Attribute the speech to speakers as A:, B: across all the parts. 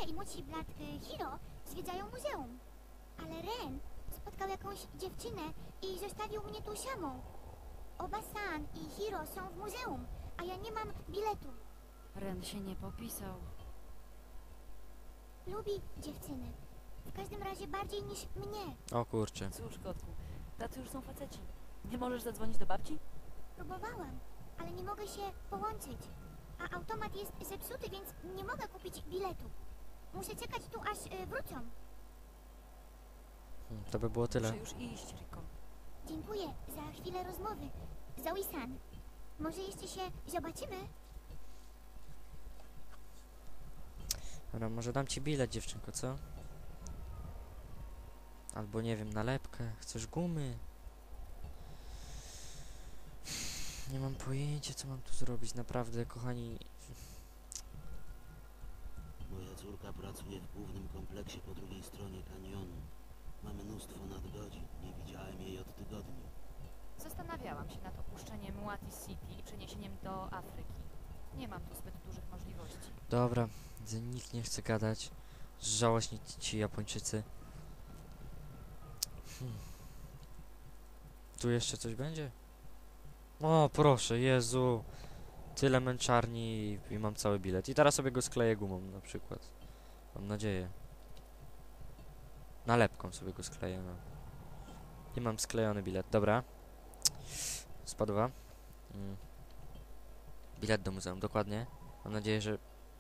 A: Kasia i młodszy brat Hiro zwiedzają muzeum. Ale Ren spotkał jakąś dziewczynę i zostawił mnie tu samą. Oba San i Hiro są w muzeum, a ja nie mam biletu.
B: Ren się nie popisał.
A: Lubi dziewczyny. W każdym razie bardziej niż mnie.
C: O kurczę.
B: Cóż, kotku, tacy już są faceci. Nie możesz zadzwonić do babci?
A: Próbowałam, ale nie mogę się połączyć. A automat jest zepsuty, więc nie mogę kupić biletu. Muszę czekać tu, aż wrócą.
C: To by było tyle.
B: Muszę już iść, Riko.
A: Dziękuję za chwilę rozmowy. Zoe-san, może jeszcze się zobaczymy?
C: Dobra, może dam ci bilet, dziewczynko, co? Albo nie wiem, nalepkę. Chcesz gumy? Nie mam pojęcia, co mam tu zrobić. Naprawdę, kochani.
D: Moja córka pracuje w głównym kompleksie po drugiej stronie kanionu. Ma mnóstwo nadgodzin. Nie widziałem jej od tygodni.
B: Zastanawiałam się nad opuszczeniem Wati City i przeniesieniem do Afryki. Nie mam tu zbyt dużych możliwości.
C: Dobra, nikt nie chce gadać. Żałośni ci Japończycy. Tu jeszcze coś będzie? O, proszę, Jezu. Tyle męczarni i mam cały bilet. I teraz sobie go skleję gumą na przykład. Mam nadzieję. Nalepką sobie go skleję, no. I mam sklejony bilet. Dobra. Spadła. Bilet do muzeum, dokładnie. Mam nadzieję, że...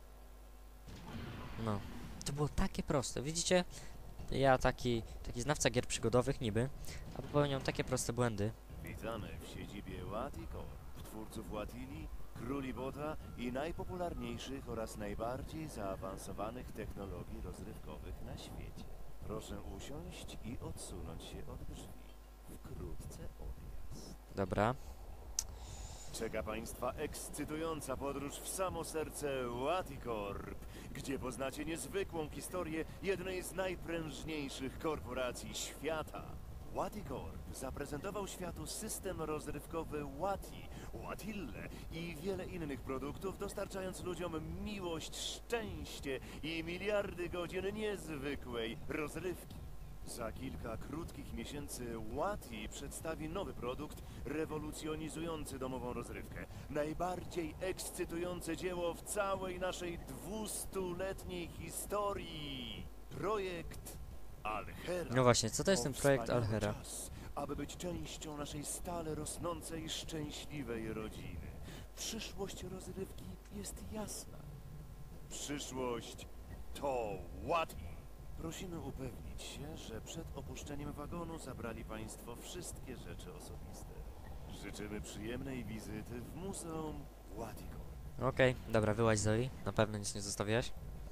C: No. To było takie proste. Widzicie? Ja taki znawca gier przygodowych niby, a popełniam takie proste błędy.
E: Witamy w siedzibie Wati Corp, twórców Watili, króli bota i najpopularniejszych oraz najbardziej zaawansowanych technologii rozrywkowych na świecie. Proszę usiąść i odsunąć się od drzwi. Wkrótce odjazd.
C: Dobra.
E: Czeka Państwa ekscytująca podróż w samo serce Wati Corp, gdzie poznacie niezwykłą historię jednej z najprężniejszych korporacji świata. Wati Corp zaprezentował światu system rozrywkowy Wati, Watille i wiele innych produktów, dostarczając ludziom miłość, szczęście i miliardy godzin niezwykłej rozrywki. Za kilka krótkich miesięcy Wati przedstawi nowy produkt rewolucjonizujący domową rozrywkę. Najbardziej ekscytujące dzieło w całej naszej 200-letniej historii. Projekt Alhera.
C: No właśnie, co to jest ten projekt
E: Wspaniały
C: Alhera?
E: czas, aby być częścią naszej stale rosnącej, szczęśliwej rodziny. Przyszłość rozrywki jest jasna. Przyszłość to Wati. Prosimy upewnić się, że przed opuszczeniem wagonu zabrali Państwo wszystkie rzeczy osobiste. Życzymy przyjemnej wizyty w Muzeum Wati Corp.
C: Okej, dobra, wyłaź Zoe. Na pewno nic nie zostawiałaś.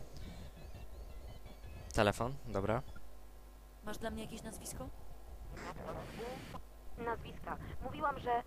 C: Telefon, dobra.
B: Masz dla mnie jakieś nazwisko?
F: Nazwiska. Mówiłam, że...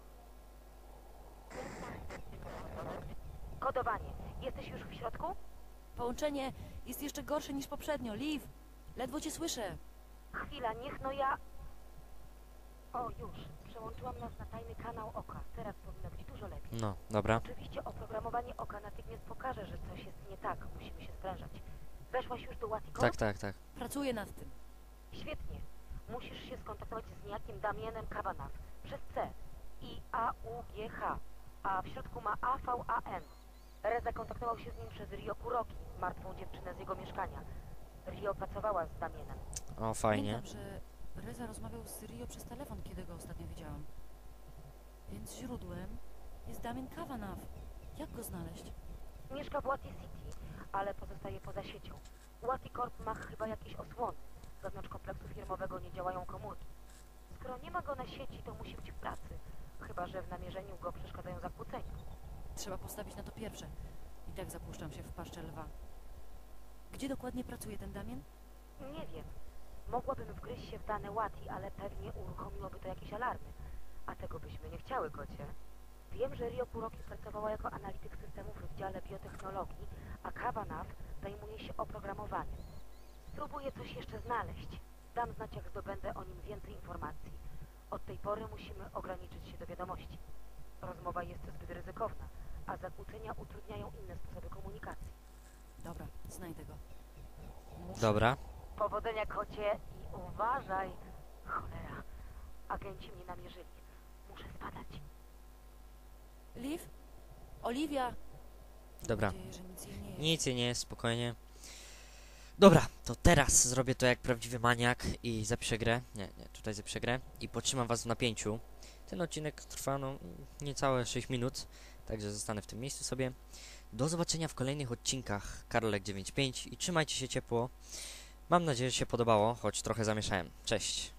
F: Kodowanie. Jesteś już w środku?
B: Połączenie jest jeszcze gorsze niż poprzednio. Liv, ledwo cię słyszę.
F: Chwila, niech no ja... O, już. Przełączyłam nas na tajny kanał oka. Teraz powinno być dużo lepiej.
C: No, dobra.
F: Oczywiście oprogramowanie oka natychmiast pokaże, że coś jest nie tak. Musimy się sprężać. Weszłaś już do Wati Corp?
C: Tak, tak, tak.
B: Pracuję nad tym.
F: Świetnie. Musisz się skontaktować z niejakim Damienem Kavanagh przez C i A-U-G-H, a w środku ma A-V-A-N. Reza kontaktował się z nim przez Rio Kuroki, martwą dziewczynę z jego mieszkania. Rio pracowała z Damienem.
C: O, fajnie.
B: Pamiętam, że Reza rozmawiał z Rio przez telefon, kiedy go ostatnio widziałam. Więc źródłem jest Damien Kavanagh. Jak go znaleźć?
F: Mieszka w Wati City, ale pozostaje poza siecią. Wati Corp ma chyba jakieś osłony. Wewnątrz kompleksu firmowego nie działają komórki. Skoro nie ma go na sieci, to musi być w pracy. Chyba że w namierzeniu go przeszkadzają zakłócenia.
B: Trzeba postawić na to pierwsze. I tak zapuszczam się w paszczę lwa. Gdzie dokładnie pracuje ten Damien?
F: Nie wiem. Mogłabym wgryźć się w dane Wati, ale pewnie uruchomiłoby to jakieś alarmy. A tego byśmy nie chciały, kocie. Wiem, że Rio Kuroki pracowała jako analityk systemów w dziale biotechnologii, a Kavanagh zajmuje się oprogramowaniem. Spróbuję coś jeszcze znaleźć. Dam znać, jak zdobędę o nim więcej informacji. Od tej pory musimy ograniczyć się do wiadomości. Rozmowa jest zbyt ryzykowna, a zakłócenia utrudniają inne sposoby komunikacji.
B: Dobra, znajdę go.
C: Dobra.
F: Powodzenia, kocie, i uważaj. Cholera, agenci mnie namierzyli. Muszę spadać.
B: Liv? Oliwia!
C: Dobra.
B: Mam nadzieję, że nic jej nie jest.
C: Nic jej nie jest, spokojnie. Dobra, to teraz zrobię to jak prawdziwy maniak i zapiszę grę. Nie, tutaj zapiszę grę i potrzymam was w napięciu. Ten odcinek trwa no niecałe 6 minut, także zostanę w tym miejscu sobie. Do zobaczenia w kolejnych odcinkach Karolek 95 i trzymajcie się ciepło. Mam nadzieję, że się podobało, choć trochę zamieszałem. Cześć!